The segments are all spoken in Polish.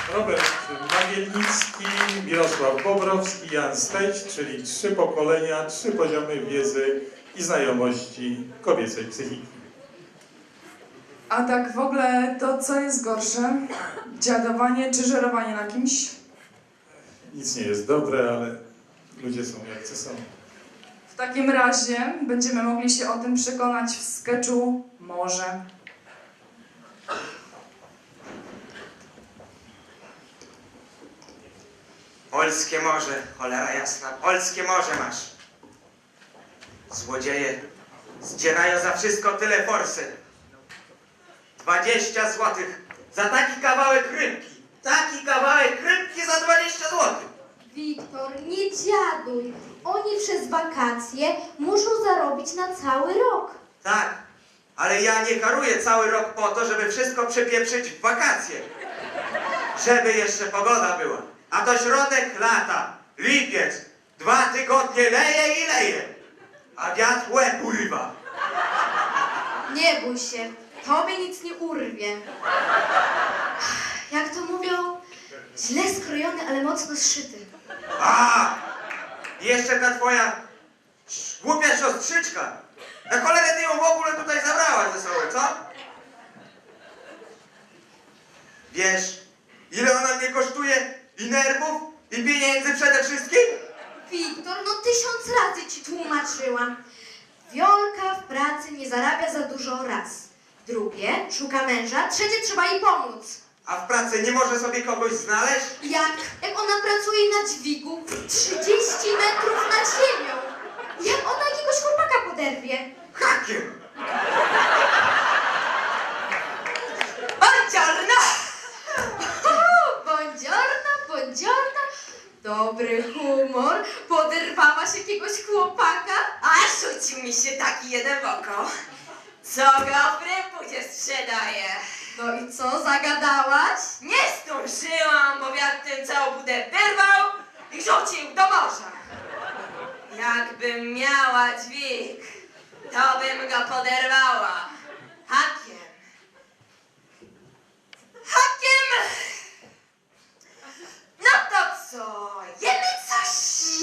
Robert Magielnicki, Mirosław Bobrowski, Jan Steć, czyli 3 pokolenia, 3 poziomy wiedzy i znajomości kobiecej psychiki. A tak w ogóle to co jest gorsze? Dziadowanie czy żerowanie na kimś? Nic nie jest dobre, ale ludzie są jacy są. W takim razie będziemy mogli się o tym przekonać w sketchu Morze. Polskie morze, cholera jasna, polskie morze masz. Złodzieje zdzierają za wszystko tyle forsy. 20 złotych za taki kawałek rybki. Taki kawałek rybki za 20 złotych. Wiktor, nie dziaduj. Oni przez wakacje muszą zarobić na cały rok. Tak, ale ja nie karuję cały rok po to, żeby wszystko przepieprzyć w wakacje. Żeby jeszcze pogoda była. A to środek lata, lipiec, 2 tygodnie leje i leje. A wiatr łeb urywa. Nie bój się, tobie nic nie urwie. Jak to mówią, źle skrojony, ale mocno zszyty. A! I jeszcze ta twoja głupia siostrzyczka. Na cholerę ty ją w ogóle tutaj zabrałaś ze sobą, co? Wiesz, ile ona mnie kosztuje? I nerwów? I pieniędzy przede wszystkim? Wiktor, no 1000 razy ci tłumaczyłam. Wiolka w pracy nie zarabia za dużo raz. Drugie, szuka męża. Trzecie, trzeba jej pomóc. A w pracy nie może sobie kogoś znaleźć? Jak ona pracuje na dźwigu 30 metrów nad ziemią. Jak ona jakiegoś chłopaka poderwie? Hakiem! Buongiorno! Buongiorno, buongiorno. Dobry humor. Poderwałaś jakiegoś chłopaka? A rzucił mi się taki jeden w oko, co go w rypucie sprzedaje. No i co, zagadałaś? Nie zdążyłam, bo wiatr tym całą budę wyrwał i rzucił do morza. Jakbym miała dźwig, to bym go poderwała. Hakiem. Hakiem! No to co, jemy coś?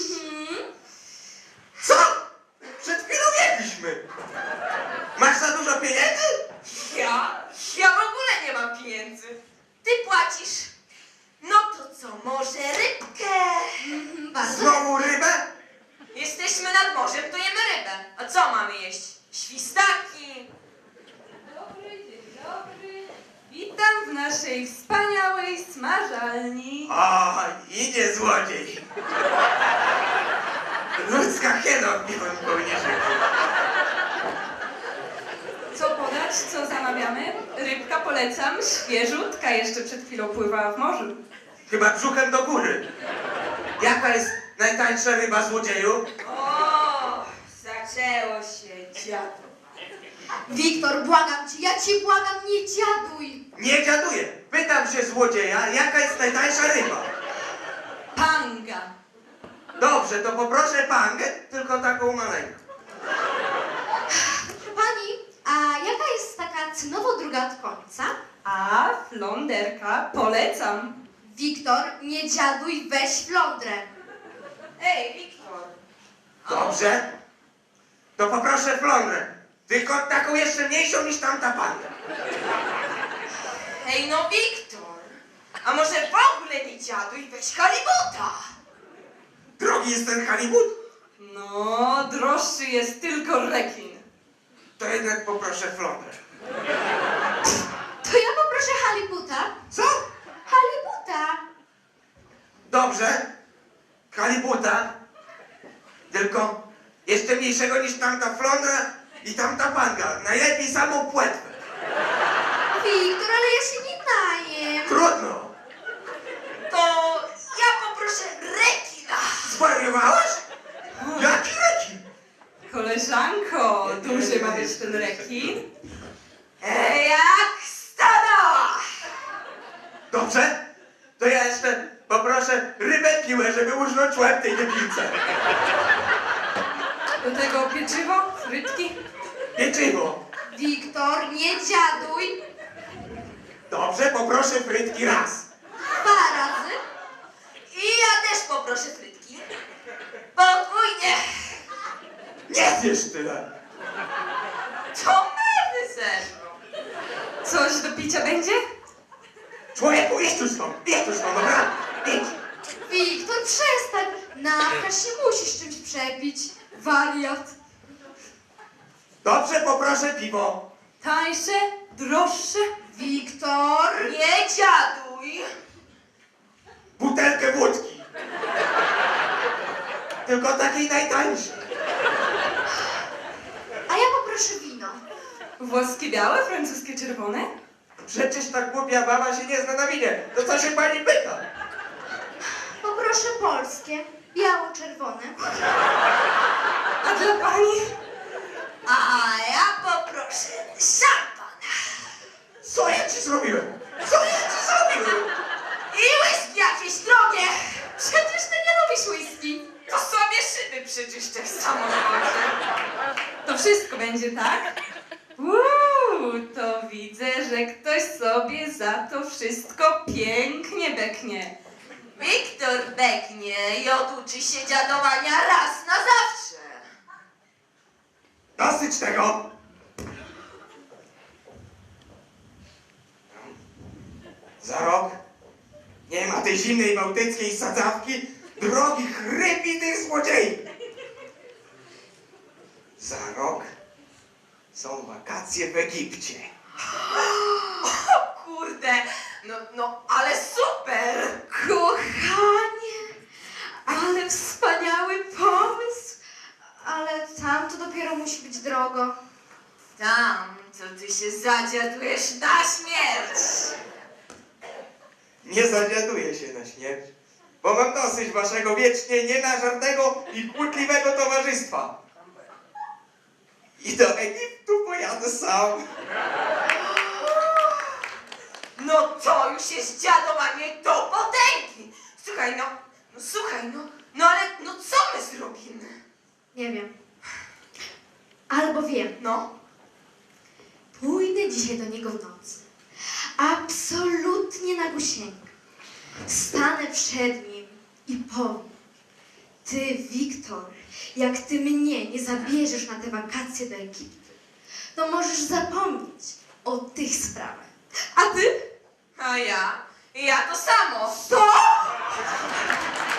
Co? Przed chwilą jedliśmy. Masz za dużo pieniędzy? Ja w ogóle nie mam pieniędzy. Ty płacisz. No to co, może rybkę? Bardzo. Znowu rybę? Jesteśmy nad morzem, to jemy rybę. A co mamy jeść? Świstaki. Dzień dobry. Witam w naszej wspaniałej smażalni. O, idzie złodziej. Ludzka hiena odbiłem kołnierzy. Co podać, co zamawiamy? Rybka polecam, świeżutka, jeszcze przed chwilą pływała w morzu. Chyba brzuchem do góry. Jaka jest najtańsza ryba, złodzieju? O, zaczęło się dziadu. Wiktor, błagam cię, ja cię błagam, nie dziaduj. Nie dziaduję. Pytam się złodzieja, jaka jest najtańsza ryba? Panga. Dobrze, to poproszę pangę, tylko taką maleńką. Pani, a jaka jest taka cenowo druga od końca? A flonderka polecam. Wiktor, nie dziaduj, weź flądrę. Ej, Wiktor. Dobrze? To poproszę flądrę. Tylko taką jeszcze mniejszą niż tamta panga. Ej, no Wiktor. A może w ogóle nie dziaduj, weź halibuta. Drogi jest ten halibut? No, droższy jest tylko rekin. To jednak poproszę flądrę. To ja poproszę halibuta. Co? Halibuta. Dobrze. Halibuta. Tylko jeszcze mniejszego niż tamta flądra i tamta panga. Najlepiej samą płetwę. Wiktor, ale ja się nie najem. Trudno. To ja poproszę rekina. Zwariowałaś? Jaki rekin? Koleżanko, duży ma być ten rekin. Ej, jak stada. Dobrze? To ja jeszcze poproszę rybę piłę, żeby urżnąć łeb tej debilce. Do tego pieczywo, frytki. Pieczywo. Wiktor, nie dziaduj. Dobrze, poproszę frytki raz. Dwa tyle. To nerwy zeszło. Coś do picia będzie? Człowieku, idź tu stąd, dobra? Idź. Wiktor, przestań! Napkasz się musisz czymś przepić. Wariat. Dobrze, poproszę piwo. Tańsze? Droższe? Wiktor! Nie dziaduj. Butelkę wódki. Tylko takiej najtańszej. A ja poproszę wino. Włoskie białe, francuskie czerwone? Przecież ta głupia baba się nie zna na winie. To co się pani pyta? Poproszę polskie. Biało-czerwone. A dla pani? A ja poproszę szampan. Co ja ci zrobiłem? Co ja ci zrobiłem? I whisky jakieś drogie. Przecież ty nie lubisz whisky. To sobie szyby przyczyszczę w samochodzie. To wszystko będzie, tak? To widzę, że ktoś sobie za to wszystko pięknie beknie. Wiktor beknie i oduczy się dziadowania raz na zawsze. Dosyć tego. Za rok nie ma tej zimnej bałtyckiej sadzawki drogich rybitych złodziei. Za rok są wakacje w Egipcie. Kurde, no, ale super. Kochanie, ale wspaniały pomysł. Ale tam to dopiero musi być drogo. Tam, to ty się zadziadujesz na śmierć. Nie zawiaduję się na śmierć, bo mam dosyć waszego wiecznie nienażarnego i kłótliwego towarzystwa. I do Egiptu pojadę sam. No to już jest dziadowanie do potęgi. Słuchaj, ale co my zrobimy? Nie wiem. Albo wiem. No, Pójdę dzisiaj do niego w nocy. Absolutnie na gusieńkę. Stanę przed nim i powiem: ty, Wiktor, jak ty mnie nie zabierzesz na te wakacje do Egiptu, to możesz zapomnieć o tych sprawach. A ty? a ja to samo. Co?